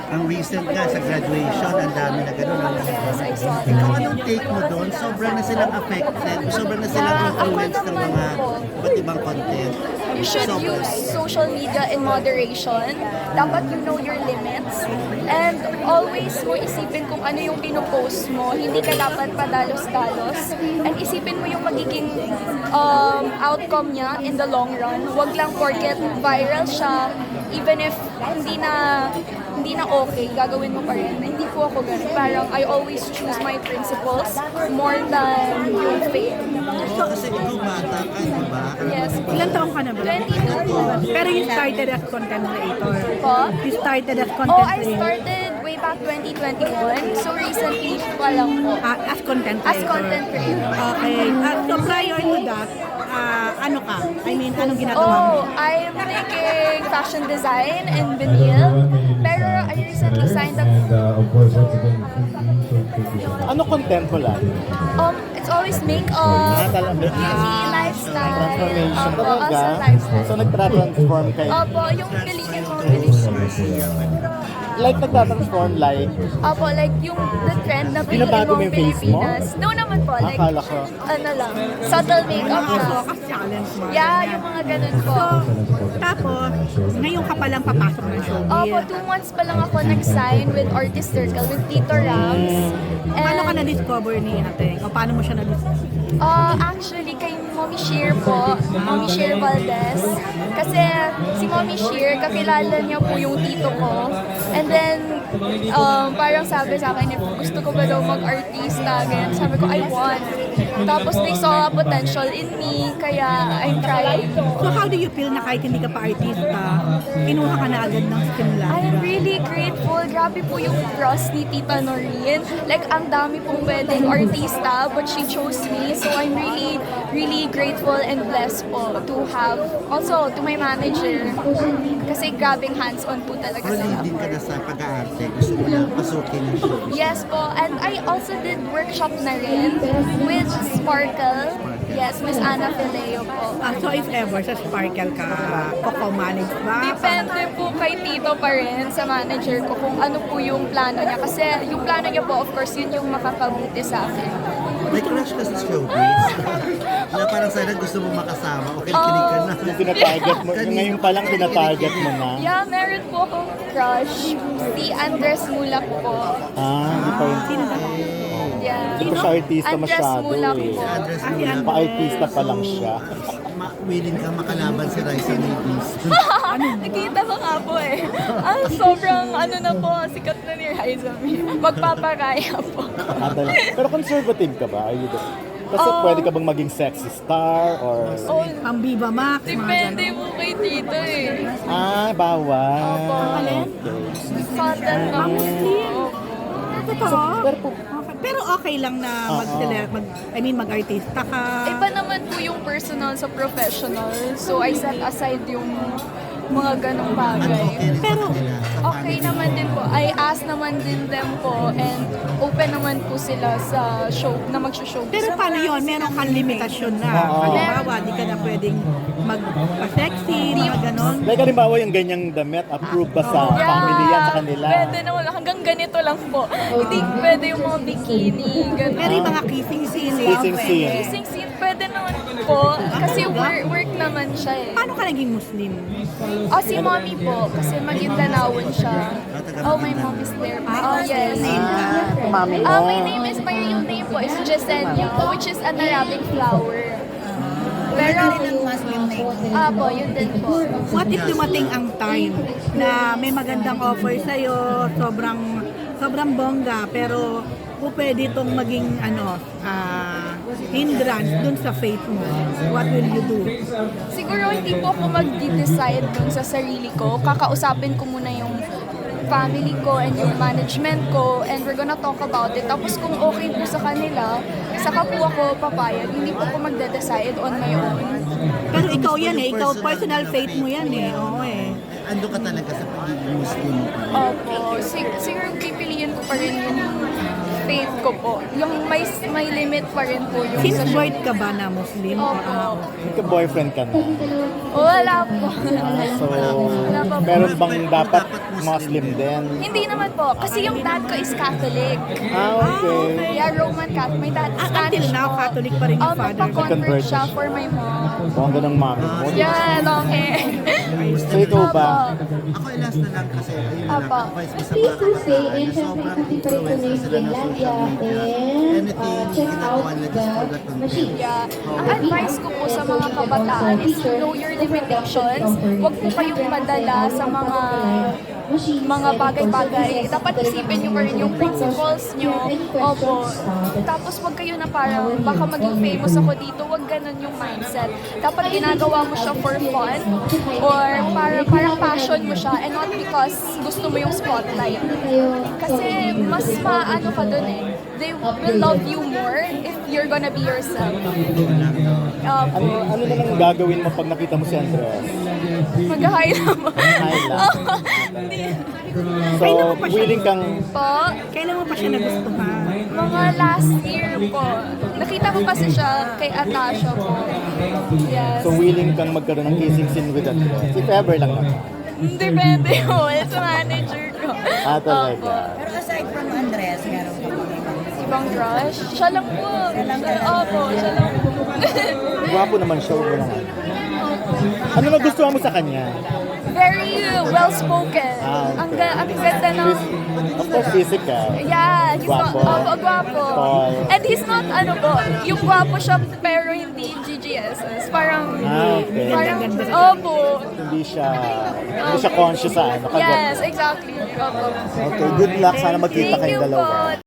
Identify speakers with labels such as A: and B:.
A: ang recent nga sa graduation, ang dami na gano'n.
B: Yes, I saw that.
A: Ikaw, anong take mo doon? Sobrang na silang affected, sobrang na silang influenced ng mga iba't ibang content.
B: You should use social media in moderation. Dapat you know your limits. And always mo isipin kung ano yung pinopost mo. Hindi ka dapat padalos-dalos. And isipin mo yung magiging outcome niya in the long run. Huwag lang porket viral siya. Even if hindi na okay, gagawin mo pa rin. Hindi po ako ganun. Parang I always choose my principles more than yung fame.
A: Oo, kasi ikaw bata ka, di ba?
B: Yes.
C: Ilan taong ka na ba?
B: 22 po.
C: Pero you started as content creator.
B: Po?
C: You started as
B: Oh,
C: content
B: I
C: creator.
B: started way back 2021. So recently pa lang po.
C: As content creator.
B: As content creator.
C: Okay. So prior to that, ano ka? I mean, anong ginagawa mo?
B: Oh, I'm taking fashion design in Benil. Pero I recently signed up.
D: Of course, once again,
E: Ano content mo lang?
B: It's always makeup,
E: Talaga.
B: beauty, lifestyle.
E: Transformation
B: Opo,
E: talaga.
B: also lifestyle.
E: So nagtra-transform kayo.
B: Opo, yung galing mo, galing.
E: Like nagtra-transform like,
B: Opo, like yung the trend na
E: Binabago mo yung face mo?
B: Pilipinas. No naman po, like,
E: akala ko.
B: ano lang, subtle makeup
C: Mga
B: na.
C: focus challenge mo.
B: Yeah, yung mga ganun po.
C: So, tapos, ngayon ka palang papasok ng showbiz.
B: Opo, 2 months pa lang ako nag-sign with Artist Circle with Tito Rams.
C: Paano ka na-discover ni Ate? O paano mo siya na-discover?
B: Actually, kay Mommy Sheer po, Mommy Sheer Valdez. Kasi si Mommy Sheer, kakilala niya po yung tito ko. And then, parang sabi sa akin, if gusto ko ba daw mag-artista, ganyan. Sabi ko, I want. Tapos they saw a potential in me, kaya I'm trying.
C: So how do you feel na kahit hindi ka pa artista, kinuha ka na agad ng simula?
B: I am really grateful. Grabe po yung trust ni Tita Noreen. Like, ang dami pong pwedeng artista, but she chose me. So, I'm really, really grateful and blessed po to have, also to my manager. Kasi grabing hands-on po talaga
A: Pero
B: sila.
A: din ka na sa pag-aarte, gusto mo lang pasukin yung showbiz.
B: Yes po, and I also did workshop na rin with Sparkle. Yes, Miss Ana Fileo po.
C: So if ever sa Sparkle ka, manage ba?
B: Depende po kay Tito pa rin sa manager ko kung ano po yung plano niya. Kasi yung plano niya po, of course, yun yung makakabuti sa akin.
A: May crush ka sa showbiz? Na parang sana gusto mo makasama o kinikilig ka na.
E: Yung tinatarget mo, yung ngayon pa lang tinatarget mo na.
B: Yeah, meron po akong crush. Si Andres Mulak po.
E: Hindi pa yun.
B: Yeah.
E: Hindi pa siya artista
B: Andres
E: masyado
B: Mulak
E: eh.
B: po.
A: Address mo
C: Ay,
A: lang.
E: Pa-artista pa lang siya.
A: Willing ka makalaban si Raisa Mavis.
B: Nakita ko nga po eh. Sobrang ano na po, sikat na ni Raisa May. Magpaparaya po.
E: Pero conservative ka ba? Are you the... Kasi pwede ka bang maging sexy star or...
B: Oh,
C: Pang Viva Max, mga
B: depende
C: ganun.
B: po kay Tito eh.
E: Bawal.
B: Opo.
E: Okay.
B: Content lang po.
C: Totoo? Pero okay lang na mag-artista ka.
B: Iba naman po yung personal sa professional. So I set aside yung mga ganong bagay.
C: Pero,
B: Okay naman din po. I ask naman din them po and open naman po sila sa show na mag-show.
C: pero paano yun? Meron kang limitasyon na. Halimbawa, di ka na pwedeng magpa-sexy, mga ganon.
E: Like halimbawa yung ganyang damit, approved ba sa family yan sa kanila?
B: Pwede naman. Hanggang ganito lang po. Hindi pwede yung mga bikini,
C: Pero
B: gano'n.
C: yung mga kissing scene,
E: Kissing scene.
B: Kissing scene, pwede naman po. Kasi work naman siya eh.
C: Paano ka naging Muslim?
B: Si mommy po. Kasi Maguindanao siya. Oh, my mom is there. Oh, yes.
E: Mami mo.
B: My name is, my real name po is Jasenia, which is an Arabic flower. Pero, po, yun din po.
C: What if dumating ang time na may magandang offer sa'yo, sobrang bongga, pero pwede itong maging hindrance dun sa faith mo? What will you do?
B: Siguro hindi po ako mag-decide dun sa sarili ko. Kakausapin ko muna yung family ko and yung management ko and we're gonna talk about it. Tapos kung okay po sa kanila, saka po ako papayag. Hindi po ako magde-decide on my own.
C: Pero ikaw yan eh, ikaw personal faith mo yan eh. Oo eh.
A: Ando ka talaga sa pagiging Muslim.
B: Opo. Siguro pipiliin ko pa rin yung faith ko po. Yung may limit pa rin po yung
C: Since
B: sa
C: birth ka ba na Muslim?
B: Opo.
E: Magka-boyfriend ka na.
B: Wala po.
E: So,
B: Wala pa po.
E: meron bang dapat
A: Dapat
E: Muslim din?
B: Hindi naman po, kasi yung dad ko is Catholic.
E: Okay.
B: Yeah, Roman Catholic. My dad is
C: Until
B: Spanish
C: now,
B: po.
C: Catholic pa rin yung father.
B: Nagpa-convert
E: Convert
B: siya
E: siya.
B: for my mom.
E: Bongga ng mami mo.
B: Yeah, long hair.
E: So ikaw ba?
A: Ako last na lang kasi ayun na lang,
B: Apa.
A: advice ko sa mga kabataan na sobrang influence na sila ng social media. Anything ginagawa nila just for the content.
B: Yeah. Ang advice ko po sa mga kabataan is to know your limitations. Huwag po kayong madala sa mga bagay-bagay. Dapat isipin nyo pa rin yung principles nyo. Opo. Tapos huwag kayo na parang baka maging famous ako dito. Huwag ganun yung mindset. Dapat ginagawa mo siya for fun or parang passion mo siya and not because gusto mo yung spotlight. Kasi mas maano ka dun eh. They will love you more if you're gonna be yourself. Opo.
E: Ano naman gagawin mo pag nakita mo si Andres?
B: Mag-hi naman.
E: Hi lang. So, willing kang
B: Po,
C: Kailan mo pa siya nagustuhan?
B: mga last year po. Nakita ko kasi siya kay Atasha po. Yes.
E: so willing kang magkaroon ng kissing scene with Andres? If ever lang naman.
B: Depende po. It's manager ko.
E: Talaga.
B: Opo.
D: Pero aside from Andres, meron ka pa ibang
B: Ibang crush? Siya lang po. Opo, siya lang po.
E: Gwapo naman siya. Wala nga. Ano nagustuhan mo sa kanya?
B: Very well-spoken.
E: Okay.
B: Ang ganda ng...
E: Of course, physical.
B: Yeah, he's not,
E: Gwapo.
B: gwapo.
E: Tall.
B: And he's not, ano po, yung gwapo siya pero hindi GGSS. Parang,
E: Okay.
B: opo.
E: Hindi siya conscious sa ano.
B: Yes, exactly. Opo.
E: Okay, good luck. Sana magkita
B: Thank
E: kayong
B: you
E: dalawa.
B: po.